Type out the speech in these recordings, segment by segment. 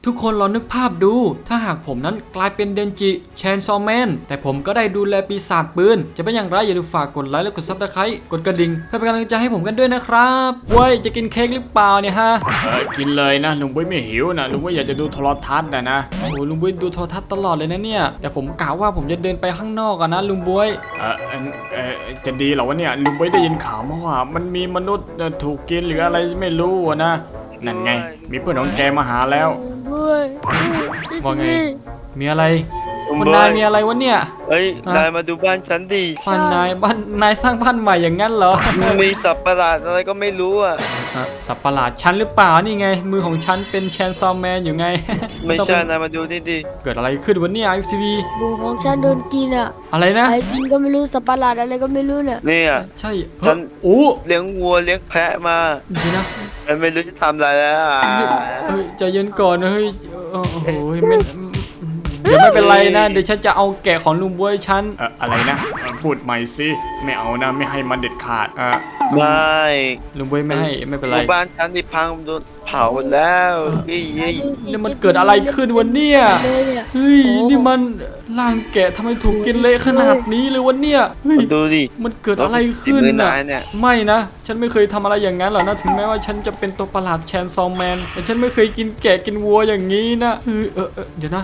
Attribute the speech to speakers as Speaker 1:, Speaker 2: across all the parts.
Speaker 1: ทุกคนลองนึกภาพดูถ้าหากผมนั้นกลายเป็นเดนจิแชนซอแมนแต่ผมก็ได้ดูแลปีศาจปืนจะเป็นอย่างไรอย่าลืมฝากกดไลค์และกดซับสไครต์กดกระดิ่งเพื่อเป็นกำลังใจให้ผมกันด้วยนะครับเว้ยจะกินเค้กหรือเปล่าเนี่ยฮะ
Speaker 2: กินเลยนะลุงบุ้ยไม่หิวนะลุงบุ้ยอยากจะดูโทรทัศน์นะ
Speaker 1: โอ้ลุงบุ้ยดูโทรทัศน์ตลอดเลยนะเนี่ยแต่ผมกะว่าผมจะเดินไปข้างนอกกันนะลุงบุ้ย
Speaker 2: จะดีเหรอวะเนี่ยลุงบุ้ยได้ยินข่าวมาว่ามันมีมนุษย์ถูกกินหรืออะไรไม่รู้นะนั่นไงมีเพื่อนของแกมาหาแล้ว
Speaker 1: ว่าไงมีอะไรคุณนายมีอะไรวะเนี่ย
Speaker 3: เฮ้ยนายมาดูบ้านฉันดิ
Speaker 1: บ้านนายสร้างบ้านใหม่อย่างนั้นเหรอ
Speaker 3: มีสัตว์ประหลาดอะไรก็ไม่รู้อ่ะ
Speaker 1: สัตว์ประหลาดฉันหรือเปล่านี่ไงมือของฉันเป็นแชนซอมแมนอยู่ไง
Speaker 3: ไม่ใช่นายมาดูนี่ดิ
Speaker 1: เกิดอะไรขึ้นวันนี้IFTV
Speaker 4: มือของฉันโดนกินอ่ะ
Speaker 1: อะไรนะ
Speaker 4: ไอ้กินก็ไม่รู้สัตว์ประหลาดอะไรก็ไม่รู้เนี่ย
Speaker 3: นี่อ่ะ
Speaker 1: ใช่
Speaker 3: ฉัน
Speaker 1: โอ้
Speaker 3: เลี้ยงวัวเลี้ยงแพะมา
Speaker 1: ดีนะ
Speaker 3: ไม่รู้จะทำอะไรแล้ว
Speaker 1: เฮ้ยใจเย็นก่อนเฮ้ยโอ้โหเดี๋ยวไม่เป็นไรนะเดี๋ยวฉันจะเอาแกะของลุงบวยฉัน
Speaker 2: อะไรนะพูดใหม่สิไม่เอานะไม่ให้มันเด็ดขาด
Speaker 3: ไม่
Speaker 1: ลุงบวยไม่ให้ไม่เป็นไร
Speaker 3: บ้านฉันที่พังโดนเผาแล้ว
Speaker 1: นี่มันเกิดอะไรขึ้นวันเนี้ยเฮ้ยนี่มันร่างแกะทำไมถูกกินเละขนาดนี้เลยวันเนี้ย
Speaker 3: ดูดิ
Speaker 1: มันเกิดอะไรขึ้นน่ะไม่นะฉันไม่เคยทำอะไรอย่างนั้นหรอกนะถึงแม้ว่าฉันจะเป็นตัวประหลาดแชนซอมแมนแต่ฉันไม่เคยกินแกะกินวัวอย่างนี้นะเดี๋ยวนะ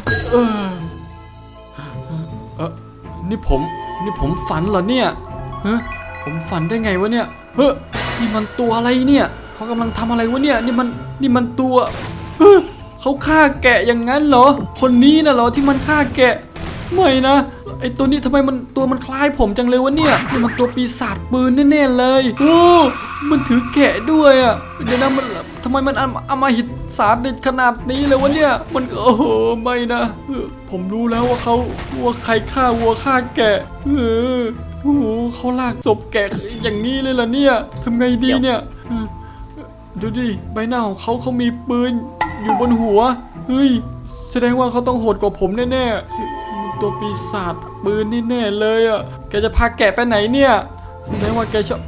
Speaker 1: นี่ผมฝันเหรอเนี่ยผมฝันได้ไงวะเนี่ยนี่มันตัวอะไรเนี่ยเขากำลังทำอะไรวะเนี่ยนี่มันตัวเขาฆ่าแกะอย่างนั้นเหรอคนนี้น่ะเหรอที่มันฆ่าแกะไม่นะไอตัวนี้ทำไมตัวมันคล้ายผมจังเลยวะเนี่ยนี่มันตัวปีศาจปืนแน่ๆเลยโอ้มันถือแกะด้วยอ่ะเดี๋ยวนะมันทำไมมันอำมหิตศาสตร์เด็ดขนาดนี้เลยวะเนี่ยมันโอ้โหไม่นะผมรู้แล้วว่าใครฆ่าวัวฆ่าแกะโอ้โหเขาลากศพแกะอย่างนี้เลยล่ะเนี่ยทำไงดีเนี่ยดูดิใบหน้าของเขามีปืนอยู่บนหัวเฮ้ยแสดงว่าเขาต้องโหดกว่าผมแน่ๆตัวปีศาจปืนแน่ๆเลยอ่ะแกจะพาแกะไปไหนเนี่ยแสดงว่าแกชอบ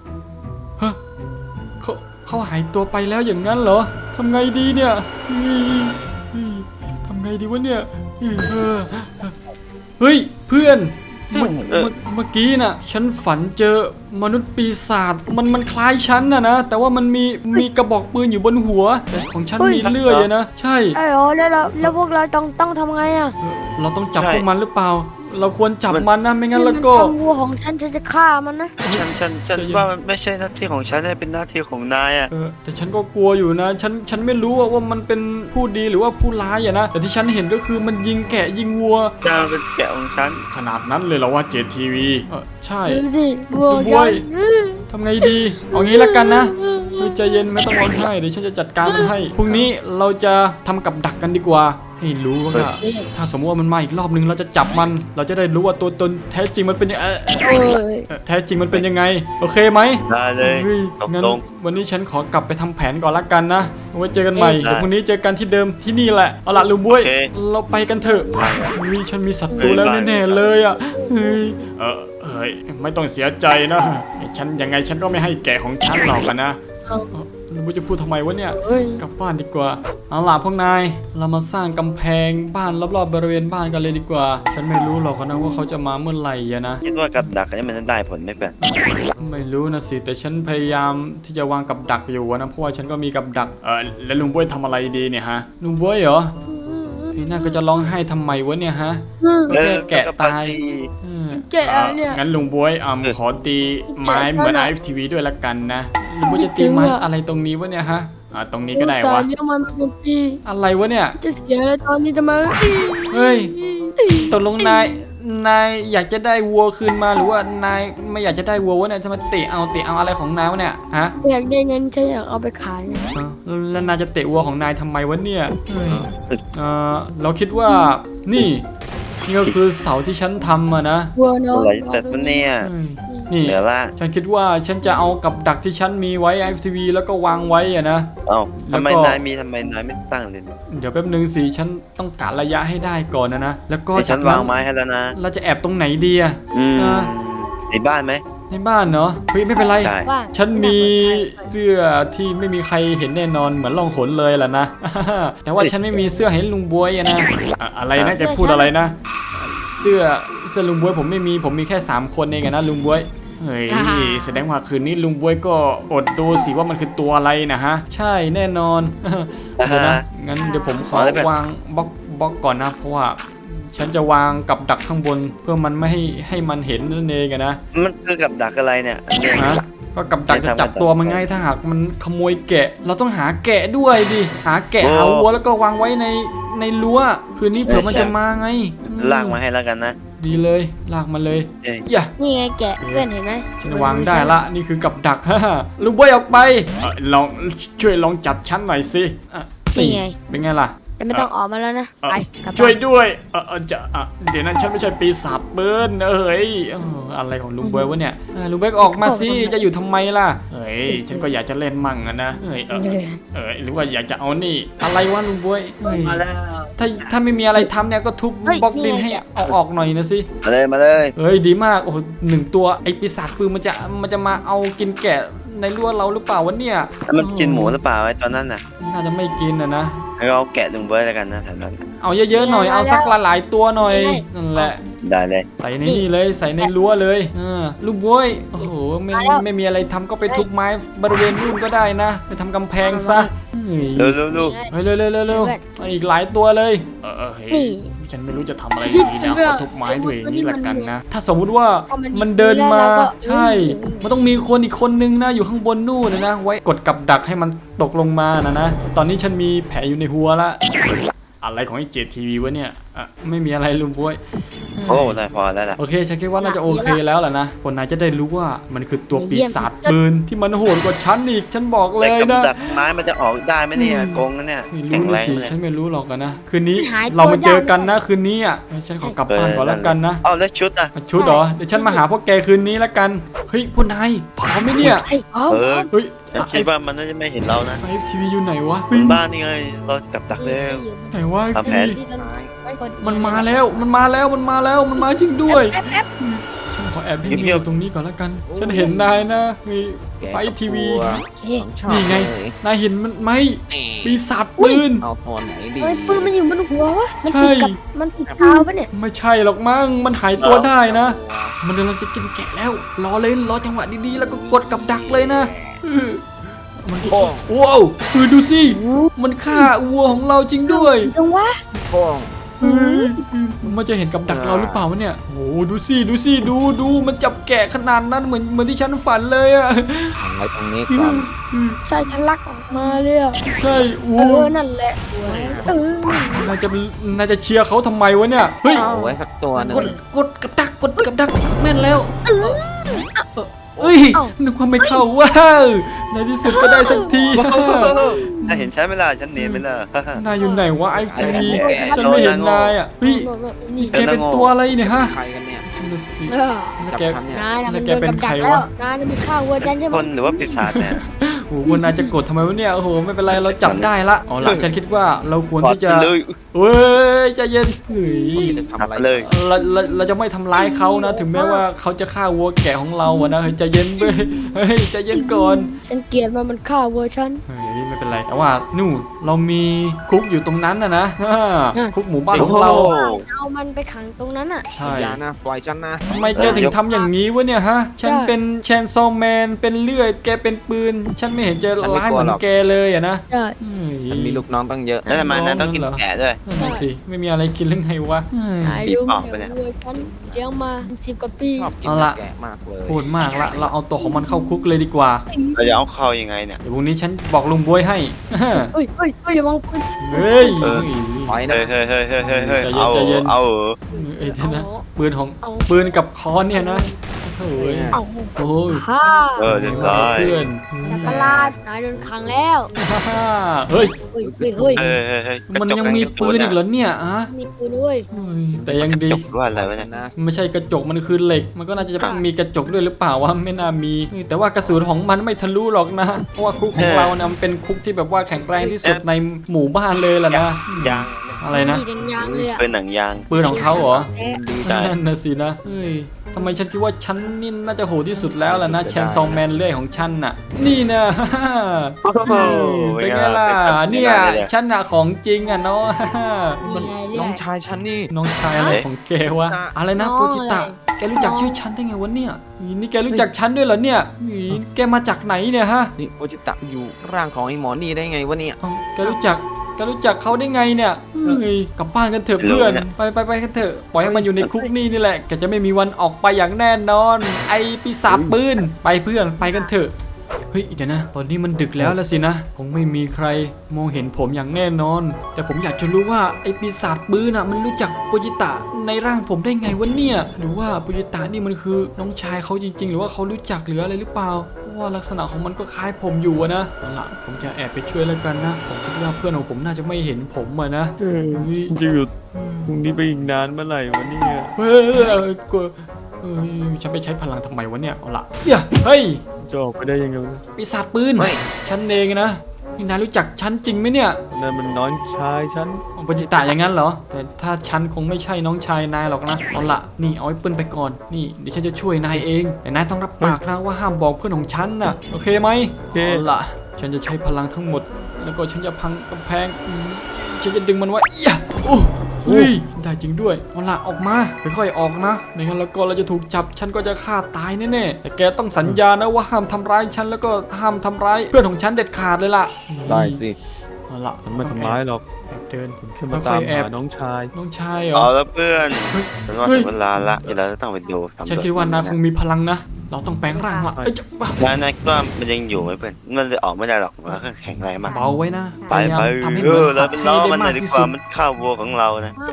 Speaker 1: เขาหายตัวไปแล้วอย่างนั้นเหรอทำไงดีเนี่ยทำไงดีวะเนี่ยเฮ้ยเพื่อนเมื่อกี้น่ะฉันฝันเจอมนุษย์ปีศาจมันคล้ายฉันนะแต่ว่ามันมีกระบอกปืนอยู่บนหัวแต่ของฉันมีเลื่อยนะใช่
Speaker 4: แล้วพวกเราต้องทำไงอ่ะ
Speaker 1: เราต้องจับพวกมันหรือเปล่าเราควรจับมันนะไม่งั้นแล้วก็
Speaker 4: วัวของฉันจะฆ่ามันนะ
Speaker 3: ฉันว่ามันไม่ใช่หน้าที่ของฉันเป็นหน้าที่ของนายอ่ะ
Speaker 1: แต่ฉันก็กลัวอยู่นะฉันไม่รู้ว่ามันเป็นผู้ดีหรือว่าผู้ร้ายอะนะแต่ที่ฉันเห็นก็คือมันยิงแกะยิงวัว
Speaker 3: เป็นแกะของฉัน
Speaker 2: ขนาดนั้นเลยเหรอว่าJTV
Speaker 1: ใช่
Speaker 4: ดูสิวัว
Speaker 1: ทำไงดีเอางี้ละกันนะใจเย็นไม่ต้องร้องไห้เดี๋ยวฉันจะจัดการมันให้พรุ่งนี้เราจะทำกับดักกันดีกว่าให้รู้ว่าถ้าสมมติว่ามันมาอีกรอบนึงเราจะจับมันเราจะได้รู้ว่าตัวตนแท้จริงมันเป็นยังไงแท้จริงมันเป็นยังไงโอเคไหม
Speaker 3: ได้เลย
Speaker 1: งั้นวันนี้ฉันขอกลับไปทำแผนก่อนละกันนะไว้เจอกันใหม่เดี๋ยวพรุ่งนี้เจอกันที่เดิมที่นี่แหละเอาล่ะลุงบุ้ยเราไปกันเถอะฉันมีศัตรูแล้วแน่ๆเลยอ่ะ
Speaker 2: ไม่ต้องเสียใจนะฉันยังไงฉันก็ไม่ให้แกะของฉันหรอกนะ
Speaker 1: ลุงบุ้ยจะพูดทำไมวะเนี่ยกลับบ้านดีกว่าเอาล่ะพวกนายเรามาสร้างกำแพงบ้านรอบๆบริเวณบ้านกันเลยดีกว่าฉันไม่รู้หรอกนะว่าเขาจะมาเมื่อไหร่นะ
Speaker 3: คิดว่ากับดักนี่มันได้ผลไหมเพื่อน
Speaker 1: ไม่รู้นะสิแต่ฉันพยายามที่จะวางกับดักอยู่นะเพราะว่าฉันก็มีกับดัก
Speaker 2: แล้วลุงบุ้ยทำอะไรดีเนี่ยฮะ
Speaker 1: ลุงบุ้ยเหรอน่าก็จะร้องไห้ทำไมวะเนี่ยฮะก็แค่แกะตาย
Speaker 4: แกะเนี่ย
Speaker 2: งั้นลุงบุ้ยขอตีไม้เหมือน IFTV ด้วยละกันนะลุงบุ้ยจะตีไม้อะไรตรงนี้วะเนี่ยฮะตรงนี้ก็ได้วะอะไรวะเนี่ย
Speaker 4: จะเสียแล้วตอนนี้ทำไม
Speaker 1: เฮ้ยตกลงนายอยากจะได้วัวคืนมาหรือว่านายไม่อยากจะได้วัววะเนี่ยจะมาเตะเอาอะไรของนายวะเนี่ยฮะ
Speaker 4: อยากได้เงินฉันอยากเอาไปขาย
Speaker 1: แล้วนายจะเตะวัวของนายทำไมวะเนี่ยเราคิดว่านี่ก็คือเสาที่ฉันทำนะ
Speaker 4: วัวเนาะ
Speaker 3: อะไรแต่เนี่ย
Speaker 1: นี่ฉันคิดว่าฉันจะเอากับดักที่ฉันมีไว้ IFTV แล้วก็วางไว้นะ
Speaker 3: ทำไมนายไม่ตั้งเลย
Speaker 1: เดี๋ยวแป๊บนึงสิฉันต้องกะระยะให้ได้ก่อนนะแล้วก็
Speaker 3: ฉันวางไม้ให้แล้วนะ
Speaker 1: เราจะแอบตรงไหนดี
Speaker 3: ในบ้านไหม
Speaker 1: ในในบ้านเนาะเฮ้ยไม่เป็นไร
Speaker 3: ใช่
Speaker 4: ว่า
Speaker 1: ฉันมีเสื้อที่ไม่มีใครเห็นแน่นอนเหมือนล่องหนเลยล่ะนะ แต่ว่าฉันไม่มีเสื้อให้ลุงบวยอะนะอะไรนะแกพูดอะไรนะ เสื้อลุงบวยผมไม่มีผมมีแค่3คนเองอะนะลุงบวยเฮ้ยแสดงว่าคืนนี้ลุงบวยก็อดดูสิว่ามันคือตัวอะไรนะฮะใช่แน่นอน เดี๋ยวนะงั้นเดี๋ยวผมขอวางบล็อกก่อนนะเพราะว่าฉันจะวางกับดักข้างบนเพื่อมันไม่ให้มันเห็นนั่นเองอะนะ
Speaker 3: มันคือกับดักอะไรเนี่ยเนี่ย
Speaker 1: นะก็กับดักจะจับตัวมันง่ายถ้าหากมันขโมยแกะ เราต้องหาแกะด้วยดิหาแกะหาวัวแล้วก็วางไว้ในรั้วคืนนี้เผื่อมันจะมาไง
Speaker 3: ลากมาให้แล้วกันนะ
Speaker 1: ดีเลยลากมาเลย
Speaker 3: เอ้ย
Speaker 1: อย่า
Speaker 4: นี่ไงแกะเพื่อนเห็นไหม
Speaker 1: ฉันวางได้ละนี่คือกับดัก ฮ่าลูกบอยออกไปลองช่วยลองจับฉันหน่อยสิ
Speaker 4: นี่ไง
Speaker 1: เป็นไงล่ะ
Speaker 4: แต่ไม่ต้องออกมาแล้วนะไปกลับบ้าน
Speaker 1: ช่วยด้วยจะเดี๋ยวนั้นฉันไม่ใช่ปีศาจเบิ้ลเอ้ยอะไรของลุงเบิร์ดวะเนี่ยลุงเบิร์ดออกมาสิจะอยู่ทำไมล่ะเฮ้ยฉันก็อยากจะเล่นมั่งนะเฮ้ยหรือว่าอยากจะเอานี่อะไรวะลุงเบิร์ดเฮ้ย
Speaker 3: มาแล้ว
Speaker 1: ถ้าไม่มีอะไรทำเนี่ยก็ทุบบล็อกดินให้เอาออกหน่อยนะสิ
Speaker 3: มาเลย
Speaker 1: เฮ้ยดีมากโอ้โห1 ตัวไอปีศาจปืนมันจะมาเอากินแกะในรั้วเราหรือเปล่าวะเนี่ย
Speaker 3: แล้วมันกินหมูหรือเปล่าไอ้ตอนนั้นน่ะ
Speaker 1: น่าจะไม่กินนะ
Speaker 3: ให้เราแกะลุงเบิร์ดแล้วกันนะแถวนั้น
Speaker 1: เอาเยอะๆหน่อยเอาสักหลายๆตัวหน่อยนั่นแหละ
Speaker 3: ได้เลย
Speaker 1: ใส่ในนี่เลยใส่ในรั้วเลยลูกบวยโอ้โหไม่มีอะไรทำก็ไปทุบไม้บริเวณนู่นก็ได้นะไปทำกำแพงซะ
Speaker 3: เร็ว
Speaker 1: เฮ้ยเร็วอีกหลายตัวเลยเฮ้ย
Speaker 4: นี่
Speaker 1: ฉันไม่รู้จะทำอะไรดีนะขอทุบไม้ด้วยนี่ละกันนะถ้าสมมุติว่ามันเดินมาใช่มันต้องมีคนอีกคนนึงนะอยู่ข้างบนนู่นนะไว้กดกับดักให้มันตกลงมานะตอนนี้ฉันมีแผลอยู่ในหัวละอะไรของไอ้JTVวะเนี่ยไม่มีอะไรลุงบวย
Speaker 3: โอ้ได้พอแล้วล่ะ
Speaker 1: โอเคฉันคิดว่าน่าจะโอเคแล้วแหละนะคนนายจะได้รู้ว่ามันคือตัวปีศาจปืนที่มันโหดกว่าฉันอีกฉันบอกเล
Speaker 3: แต่
Speaker 1: ย
Speaker 3: กับ
Speaker 1: นะ
Speaker 3: ดักไม้มันจะออกได้ไหมเนี่ยโกงนะเนี่ย
Speaker 1: ไม่
Speaker 3: แข็
Speaker 1: รู้
Speaker 3: งแร
Speaker 1: นะ
Speaker 3: ง
Speaker 1: สิ
Speaker 3: เลย
Speaker 1: ฉันไม่รู้หรอกนะคืนนี้เรามาเจอกันนะคืนนี้ฉันขอกลับบ้านก่อนแล้วกันนะ
Speaker 3: เอาแล้วชุดอ่ะ
Speaker 1: ชุดเหรอเดี๋ยวฉันมาหาพวกแกคืนนี้แล้วกันเฮ้ยพวกนายพร้อมไหมเนี่ย
Speaker 4: ไอ้พร้อม
Speaker 1: เฮ้ย
Speaker 3: ฉันคิดว่ามันน่าจะไม่เห็นเรานะ
Speaker 1: FTV อยู่ไหนวะ
Speaker 3: บนบ้านนี่ไงเรากับดักเร็ว
Speaker 1: ไหนวะ
Speaker 3: ทำแผ
Speaker 1: FTV
Speaker 3: น
Speaker 1: มันมาแล้วมันมาจริงด้วย ฉันขอแอบให้อยู่ตรงนี้ก่อนแล้วกัน ฉันเห็นนายนะมีไฟทีวี นี่ไง นายเห็นมันไหมปีศาจปืน
Speaker 5: เอาตัวไหนดี
Speaker 4: ทำไมปืนมันอยู่บนหัววะมัน
Speaker 1: ใช่
Speaker 4: ติดกับมันติดกาวปะเนี่ย
Speaker 1: ไม่ใช่หรอกมั้งมันหายตัวได้นะ มันกำลังจะกินแกะแล้ว รอเลยรอจังหวะดีๆแล้วก็กดกับดักเลยนะมันว้าวดูสิมันฆ่าวัวของเราจริงด้วย
Speaker 4: จังวะ
Speaker 5: โป้ง
Speaker 1: มันจะเห็นกับดักเราหรือเปล่าวะเนี่ยโอ้ดูสิมันจับแกะขนาดนั้นเหมือนที่ฉันฝันเลยอะ
Speaker 5: ขังไว้ตรงนี้ก่อน
Speaker 4: ใช่ทะลักออกมาเลยอะ
Speaker 1: ใช่โอ้
Speaker 4: นั่นแหละ
Speaker 1: น่าจะเชียร์เขาทำไมวะเนี่ยเฮ้ย
Speaker 5: เอาไว้สักตัวหนึง
Speaker 1: กดกับดักแม่นแล้วเอ้ยนึกว่าไม่เข้าว้าวในที่สุดก็ได้สักที
Speaker 3: ถ้าเห็นฉันไม่ล่ะฉันเนียนไม่ล่ะ
Speaker 1: นายอยู่ไหนวะไอ้ทีวีฉันไม่เห็นนายอ่ะเฮ้ย
Speaker 4: นี่
Speaker 1: แกเป็นตัวอะไรเนี่ยฮะ
Speaker 5: ใครกันเนี่ย
Speaker 1: นั่นน่ะสิ
Speaker 5: จับ
Speaker 1: แก
Speaker 5: ฉันเนี่ย
Speaker 4: นายน่ะ
Speaker 1: แล้
Speaker 4: มั
Speaker 1: วน แก
Speaker 4: โดน
Speaker 1: เป็น
Speaker 4: กับ
Speaker 1: ใคร
Speaker 4: ดัก
Speaker 1: วะ
Speaker 4: แล้วนายน่ะมันฆ่าวัวฉันใช่ไหม
Speaker 3: คนหรือว่าปีศาจเนี่ย
Speaker 1: โอ้โหวันนายจะกดทำไมวะเนี่ยโอ้โหไม่เป็นไรเราจับได้ละเอาล่ะฉันคิดว่าเราควรที่จะ
Speaker 3: เลย
Speaker 1: เฮ้ยใจเย็นเฮ้ย
Speaker 5: จะทำอะไร
Speaker 3: เลย
Speaker 1: เราจะไม่ทำร้ายเขานะ ถึงแม้ว่าเขาจะฆ่าวัวแกะของเราอะนะเฮ้ยใจเย็นเว้ยเฮ้ยใจเย็นก่อน
Speaker 4: ฉันเกลียดมันฆ่าวัวฉัน
Speaker 1: เฮ้ยไม่เป็นไรแต่ว่านู่นเรามีคุกอยู่ตรงนั้นนะคุกหมู่บ้านของเรา
Speaker 4: เอามันไปขังตรงนั้นอ่ะ
Speaker 1: ใช่
Speaker 5: อย่านะปล่อยฉันนะ
Speaker 1: ทำไมแกถึงทำอย่างนี้วะเนี่ยฮะฉันเป็นแชนซอว์แมนเป็นเลื่อยแกเป็นปืน ฉันไม่เห็นจะร้ายเหมือนแกเลยอะนะ
Speaker 4: ใช่
Speaker 1: เฮ้ย
Speaker 5: มันมีลูกน้องตั้งเยอะ
Speaker 3: แล้วทำไมนะต้องกินแกะด้วย
Speaker 1: นั่นน่ะสิไม่มีอะไรกินเรื่องไงวะเฮ้ย
Speaker 4: นายรู้ไหมเนี่ยวัวฉันเลี้ยงมา10 กว่าปี
Speaker 5: ชอบกิน
Speaker 1: เอาล่ะ
Speaker 5: แกะมากเลย
Speaker 1: โหดมากละเราเอาตัวของมันเข้าคุกเลยดีกว่า
Speaker 3: เราจะเอาเข้ายังไงเนี่ย
Speaker 1: เดี๋ยวพรุ่งนี้ฉันบอกลุงบวยให้
Speaker 4: เฮ้ยเดี๋ยวมองปืน
Speaker 1: เฮ้ย
Speaker 5: ปล่อยนะ
Speaker 3: เฮ้ยเอา
Speaker 1: ใจเย็น
Speaker 3: เอา
Speaker 1: เอ้ยเดี๋ยวนะปืนของปืนกับค้อนเนี่ยนะโอ้ย
Speaker 4: เอา
Speaker 1: โอ้ย
Speaker 4: ฮ่า
Speaker 3: เรียบร้อย
Speaker 1: เพื่อน
Speaker 4: สัตว์ประหลาดนายโดนขังแล้ว
Speaker 1: ฮ่าเฮ้ย
Speaker 4: เฮ้ย
Speaker 1: มันยังมีปืนอีกเหรอเนี่ยอะ
Speaker 4: มีปืนด้วย
Speaker 1: เฮ้ยแต่ยังดี
Speaker 3: จบว่าอะไรวะเนี่ย
Speaker 5: นะ
Speaker 1: ไม่ใช่กระจกมันคือเหล็ก มันก็น่าจะมีกระจกด้วยหรือเปล่าวะไม่น่ามีเฮ้ยแต่ว่ากระสุนของมันไม่ทะลุหรอกนะเพราะว่าคุกของเราเนี่ยมันเป็นคุกที่แบบว่าแข็งแรงที่สุดในหมู่บ้านเลยล่ะนะ
Speaker 3: ยาง
Speaker 1: อะไรนะ
Speaker 4: มีแดงยางเลยอะ
Speaker 3: เป็นหนังยาง
Speaker 1: ปืนของเขาเหรอ
Speaker 4: แท้
Speaker 5: ดี
Speaker 3: ใช่
Speaker 1: นั่นนะสินะเฮ้ยทำไมฉันคิดว่าฉันนี่น่าจะโหดที่สุดแล้วล่ะนะแชนซองแมนเลื่อยของฉันน่ะนี่นะ
Speaker 3: โอ้โห
Speaker 1: เป็นไงล่ะเนี่ยฉันน่ะของจริงอ่ะเนาะ
Speaker 5: มัน
Speaker 4: นี่ไงเรื่
Speaker 5: น้
Speaker 4: อ
Speaker 5: อง งชายฉันนี่
Speaker 1: น้องชายอะไรของแกวะอะไรนะ
Speaker 4: น้อง
Speaker 1: โปจิตะ
Speaker 4: อะไร
Speaker 1: แกรู้จักชื่อฉันได้ไงวะเนี่ยนี่แกรู้จักฉันด้วยเหรอเนี่ยแกมาจากไหนเนี่ยฮะ
Speaker 5: นี่โอจิตะอยู่ร่างของไอ้หมอนี่ได้ไงวะเนี่ย
Speaker 1: เอ้าแกรู้จักเขาได้ไงเนี่ยเฮ้ยกลับบ้านกันเถอะเพื่อนไปกันเถอะปล่อยให้มันอยู่ในคุกนี่แหละแกจะไม่มีวันออกไปอย่างแน่นอน ไอ้ปีศาจปืนไปเพื่อนไปกันเถอะเฮ้ยเดี๋ยวนะตอนนี้มันดึกแล้วละสินะคงไม่มีใครมองเห็นผมอย่างแน่นอน แต่ผมอยากจะรู้ว่าไอ้ปีศาจปืนน่ะมันรู้จักโปจิตะในร่างผมได้ไงวะเนี่ยหรือว่าโปจิตะนี่มันคือน้องชายเขาจริงๆ หรือว่าเขารู้จักหรืออะไรหรือเปล่าเพราะว่าลักษณะของมันก็คล้ายผมอยู่อะนะเอาล่ะผมจะแอบไปช่วยแล้วกันนะผมคิดว่าเพื่อนของผมน่าจะไม่เห็นผมอะนะเฮ้ย
Speaker 6: จะอยู่ตรงนี้ไปอีกนานเมื่อไหร่วะเนี่ย
Speaker 1: เฮ้ยกลัวเฮ้ยฉันไปใช้พลังทำไมวะเนี่ยเอาล่ะเฮ้ย
Speaker 6: จะออกไปได้ยังไงวะ
Speaker 1: ปีศาจปืน
Speaker 5: เฮ้ย
Speaker 1: ฉันเองนะนี่นายรู้จักฉันจริงไหมเนี่ย
Speaker 6: นั่นมันน้องชายฉัน
Speaker 1: ปจิตาอย่างนั้นเหรอแต่ถ้าฉันคงไม่ใช่น้องชายนายหรอกนะเอาละนี่เอาไอ้ปืนไปก่อนนี่เดี๋ยวฉันจะช่วยนายเองแต่นายต้องรับปากนะว่าห้ามบอกเพื่อนของฉันนะโอเคไหมเอาละฉันจะใช้พลังทั้งหมด แล้วก็ฉันจะพังกำแพงฉันจะดึงมันไว้โอ้เฮ้ยได้จริงด้วยเอาละออกมาค่อยๆออกนะไม่งั้นแล้วก็เราจะถูกจับฉันก็จะฆ่าตายแน่ๆแต่แกต้องสัญญานะว่าห้ามทำร้ายฉันแล้วก็ห้ามทำร้ายเพื่อนของฉันเด็ดขาดเลยล่ะ
Speaker 6: ได้สิ
Speaker 1: เอาละ
Speaker 6: ฉันไม่ทำร้ายหรอก
Speaker 1: แอบเดิน
Speaker 6: ผมแค่มาตามหาน้องชาย
Speaker 1: น้องชายเหรอ
Speaker 3: เอาแล้วเพื่อน
Speaker 1: เฮ้ย
Speaker 3: ฉันว่าถึงเวลาละเดี๋ยวเราจะต้องไปดูสำรวจ
Speaker 1: ฉันคิดว่านายคงมีพลังนะ เราต้องแปลงร่างละเอ้ยจะ
Speaker 3: นายคิดว่ามันยังอยู่ไหมเพื่อนมันจะออกไม่ได้หรอกมันก็แข็งแรงมาก
Speaker 1: เบาไว้นะพ
Speaker 3: ไป
Speaker 1: ยายาม
Speaker 3: ไป
Speaker 1: ทำให้เหมือน
Speaker 3: เรา
Speaker 1: สัตว์
Speaker 3: เป็น
Speaker 1: ให้
Speaker 3: ล้อ
Speaker 1: ได้
Speaker 3: มันหน่
Speaker 1: มา
Speaker 3: อก ยดี
Speaker 1: ที่
Speaker 3: ก
Speaker 1: สุ
Speaker 3: ว่า
Speaker 1: ด
Speaker 3: มันข้าววัวของเรานะ
Speaker 4: มา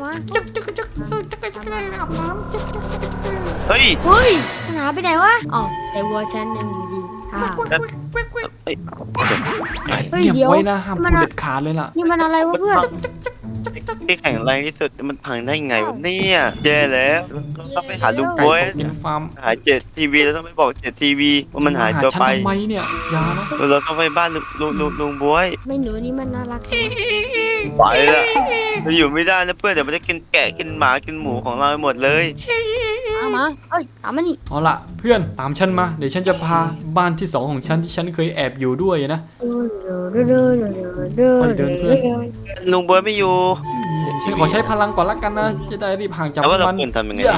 Speaker 3: เฮ้ย
Speaker 4: เฮ้ยมันหายไปไหนวะอ๋อแต่วัวฉันยังอยู่ดีค่ะ
Speaker 3: เฮ้ย
Speaker 4: เฮ้ย
Speaker 1: เงียบ
Speaker 4: เดี๋ยว
Speaker 1: ไว้นะห้าม
Speaker 4: มั
Speaker 1: พู
Speaker 4: น
Speaker 1: ด
Speaker 4: อะ
Speaker 1: เด็ดขาดเลยล่ะ
Speaker 4: นี่มันอะไรวะเพื่อน
Speaker 3: ที่แข็งแรงที่สุดมันพังได้ไงวะเนี่ยแย่แล้วต้องไปหาลุงบวย
Speaker 1: กินฟาร์ม
Speaker 3: หาเจ็ดทีวีเราต้องไปบอกเจ็ดทีวีว่ามันหายตัว
Speaker 1: ฉัน
Speaker 3: ไป
Speaker 1: ทำไมเนี่ยอยานะ
Speaker 3: เราต้องไปบ้านลุงบวย
Speaker 4: ไม่หนูนี่มันน่ารัก
Speaker 3: ไปละเราอยู่ไม่ได้นะเพื่อนเดี๋ยวมันจะกินแกะกินหมากินหมูของเราไปหมดเลย
Speaker 4: มาเอ้ยตามมานี่
Speaker 1: เอาล่ะเพื่อนตามฉันมาเดี๋ยวฉันจะพาบ้านที่สองของฉันที่ฉันเคยแอบอยู่ด้วยนะ
Speaker 3: ลุงบวยไม่อยู่
Speaker 1: ฉันขอใช้พลังก่อนละกันนะจะได้รีบห่างจาก
Speaker 3: แล้ว
Speaker 1: พว
Speaker 3: ว่ากเรา
Speaker 1: มัน
Speaker 3: ควรทำยังไง
Speaker 1: อย่า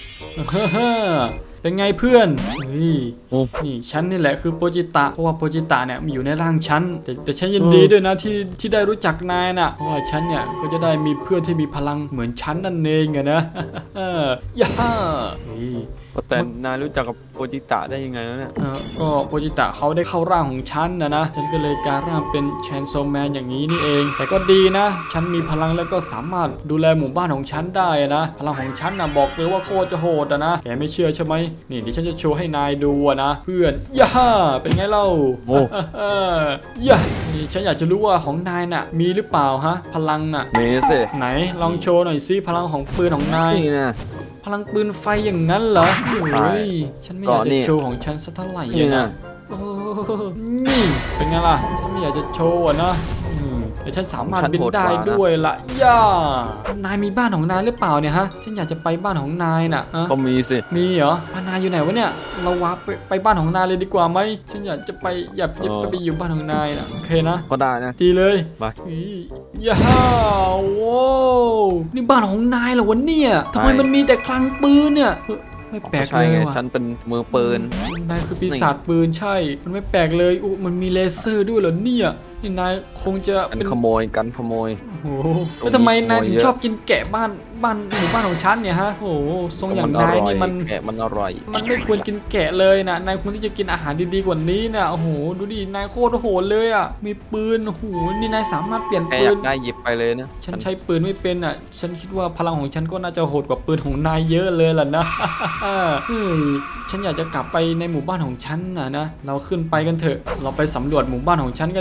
Speaker 1: เป็นไงเพื่อนเฮ้ย
Speaker 6: โอ้
Speaker 1: นี่ฉันนี่แหละคือโปจิตะเพราะว่าโปจิตะเนี่ยมีอยู่ในร่างฉันแต่ฉันยินดีด้วยนะที่ได้รู้จักนายน่ะเพราะว่าฉันเนี่ยก็จะได้มีเพื่อนที่มีพลังเหมือนฉันนั่นเองอะนะย่าเฮ้ย
Speaker 6: แต่นายรู้จักกับโอจิตะได้ยังไงแล้วเนี่ย
Speaker 1: ก็โปจิตะเขาได้เข้าร่างของฉันนะฉันก็เลยกลายร่างเป็นแชนโซแมนอย่างนี้นี่เอง แต่ก็ดีนะ ฉันมีพลังแล้วก็สามารถดูแลหมู่บ้านของฉันได้นะพลังของฉันนะบอกเลยว่าโคตรจะโหดนะแกไม่เชื่อใช่ไหมนี่เดี๋ยวฉันจะโชว์ให้นายดูนะเพื่อนย่าเป็นไงเล่า
Speaker 6: โอ้
Speaker 1: ย่านี่ฉันอยากจะรู้ว่าของนายน่ะมีหรือเปล่าฮะพลังน่ะ
Speaker 6: เมส
Speaker 1: ไหนลองโชว์หน่อยซิพลังของปืนของนาย
Speaker 5: นี่นะ
Speaker 1: พลังปืนไฟอย่างนั้นเหรอโอ้ยฉันไม่อยาก
Speaker 5: ก็
Speaker 1: จะ
Speaker 5: นี่
Speaker 1: โชว์ของฉันสักเท่าไหร่
Speaker 5: นี่
Speaker 1: อะ
Speaker 5: นะ
Speaker 1: โอ้นี่เป็นไงล่ะ ฉันไม่อยากจะโชว์อะนะแต่ฉันสามารถบินได้ด้วยละย่านายมีบ้านของนายหรือเปล่าเนี่ยฮะ ฉันอยากจะไปบ้านของนายน่ะฮะ
Speaker 6: ก็มีสิ
Speaker 1: มีเหรอบ้านนายอยู่ไหนวะเนี่ย เราวาร์ปไปบ้านของนายเลยดีกว่าไหม ฉันอยากจะไปอยากจะไปอยู่บ้านของนายน่ะโอเคนะ
Speaker 5: ก็ได้นะ
Speaker 1: ดีเลย
Speaker 6: ไป
Speaker 1: ย่าโว้วนี่บ้านของนายเหรอวะเนี่ยทำไมมันมีแต่คลังปืนเนี่ยไม่แปลก
Speaker 5: ใช่
Speaker 1: เลย
Speaker 5: ไง
Speaker 1: ว่ะ
Speaker 5: ฉันเป็นมือปืน
Speaker 1: นายคือปีศาจปืนใช่ มันไม่แปลกเลยอุ๊มันมีเลเซอร์ด้วยเหรอเนี่ยนี่นายคงจะ
Speaker 5: กัน
Speaker 1: เป็น
Speaker 5: ขโมยกันขโมย
Speaker 1: โอ้โหแล้วทำไมนายถึงชอบกินแกะบ้านหมู่บ้านของฉันเนี่ยฮะโอ้โหทรงอย่างนายนี่มัน
Speaker 5: แกะมันอร่อย
Speaker 1: มันไม่ควรกินแกะเลยนะนายควรที่จะกินอาหารดีๆกว่านี้นะโอ้โหดูดินายโคตรโหดเลยอ่ะมีปืนโอ้โหนี่นายสามารถเปลี่ยน
Speaker 5: แก
Speaker 1: ปื
Speaker 5: อยาน กได้หยิบไปเลยนะ
Speaker 1: ฉันใช้ปืนไม่เป็นอ่ะ ฉันคิดว่าพลังของฉันก็น่าจะโหดกว่าปืนของนายเยอะเลยล่ะนะ เฮ้ยฉันอยากจะกลับไปในหมู่บ้านของฉันนะเราขึ้นไปกันเถอะ เราไปสำรวจหมู่บ้านของฉันกันดีกว่า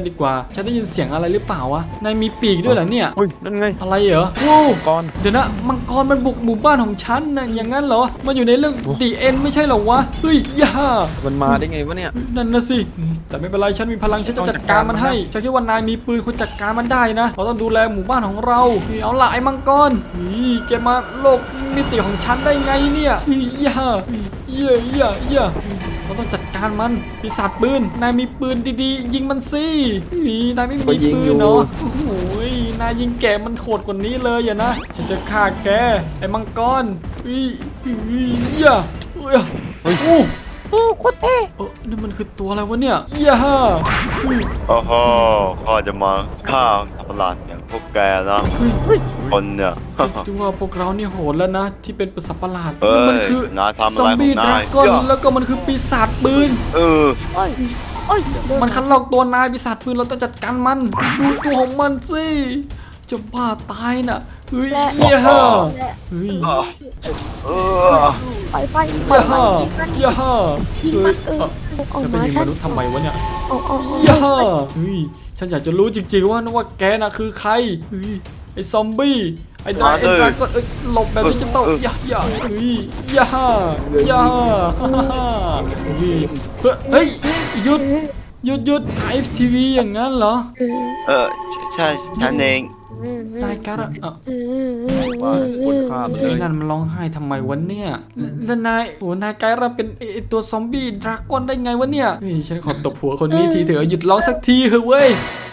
Speaker 1: ฉันได้ยินเสียงอะไรหรือเปล่าวะนายมีปีกด้วยเหรอเนี่ย
Speaker 6: อุ้ยนั่นไง
Speaker 1: อะไรเหรอโว้ว
Speaker 6: ก่อน
Speaker 1: เดี๋ยวนะมังกรมันบุกหมู่บ้านของฉันนะอย่างนั้นเหรอมันอยู่ในเรื่องดีเอ็นไม่ใช่เหรอวะเฮ้ยอย่า
Speaker 6: มันมาได้ไงวะเนี่ย
Speaker 1: นั่นนะสิแต่ไม่เป็นไรฉันมีพลังฉันจะจัดการมันให้ฉันคิดว่านายมีปืนคุณจัดการมันได้นะเราต้องดูแลหมู่บ้านของเราเอาละไอ้มังกรแกมาโลกมิติของฉันได้ไงเนี่ยอย่าเราต้องจัดการมันปีศาจปืนนายมีปืนดีๆยิงมันสินายไม่มีปืนเนาะโอ้โหนายยิงแกมันโหดกว่านี้เลยอย่านะฉันจะฆ่าแกไอ้มังกรอย่าโอ้โคตรเท่นี่มันคือตัวอะไรวะเนี่ยอย่า
Speaker 3: โอ้โหพ่อจะมาฆ่าประหลาดอย่างพวกแกนะคนเนี่ย
Speaker 1: คิดว่าพวกเรานี่โหดแล้วนะที่เป็นสัตว์ประหลาด
Speaker 3: เฮ้ย
Speaker 1: มัคือน
Speaker 3: ายทำอะไร
Speaker 1: ซอมบี้
Speaker 3: ของ
Speaker 1: ด
Speaker 3: นา
Speaker 1: ราย ก้อนแล้วก็มันคือปีศาจปืน
Speaker 3: เออ
Speaker 4: โอ้ยเดิ
Speaker 1: มันคัดลอกตัวนายปีศาจปืนเราต้องจัดการมันดูตัวของมันสิจะบ้าตายน่ะเฮ้ยอย่าเฮ้ย
Speaker 3: เออ
Speaker 4: ไฟไฟ
Speaker 1: อย่าอย่า
Speaker 4: ยิงมันออก
Speaker 1: จะไป
Speaker 4: มา
Speaker 1: ยิง
Speaker 4: ฉั
Speaker 1: ม
Speaker 4: น
Speaker 1: นุษย์ทำไมวะเนี่ย
Speaker 4: เอา
Speaker 1: อย่าเฮ้ยฉันอยากจะรู้จริงๆว่าแกน่ะคือใครเฮ้ยไอ้ซอมบี้ไอ้ดราก้อนหลบแบบนี้จะต้องอย่าเฮ้ยอย่าเฮ้ยหยุดไอฟทีวีอย่างนั้นเหรอ
Speaker 3: ใช่ฉันเอง
Speaker 1: นายการะ
Speaker 6: ว่าคนฆ่ามันเล
Speaker 1: ไอ้
Speaker 6: ย
Speaker 1: นั่นมันร้องไห้ทำไมวะเนี่ยแล้วนายนายการะเป็นไอตัวซอมบี้ดราก้อนได้ไงวะเนี่ยเฮ้ยฉันขอตบหัวคนนี้ทีเถอะหยุดร้องสักทีเถอะเว้ย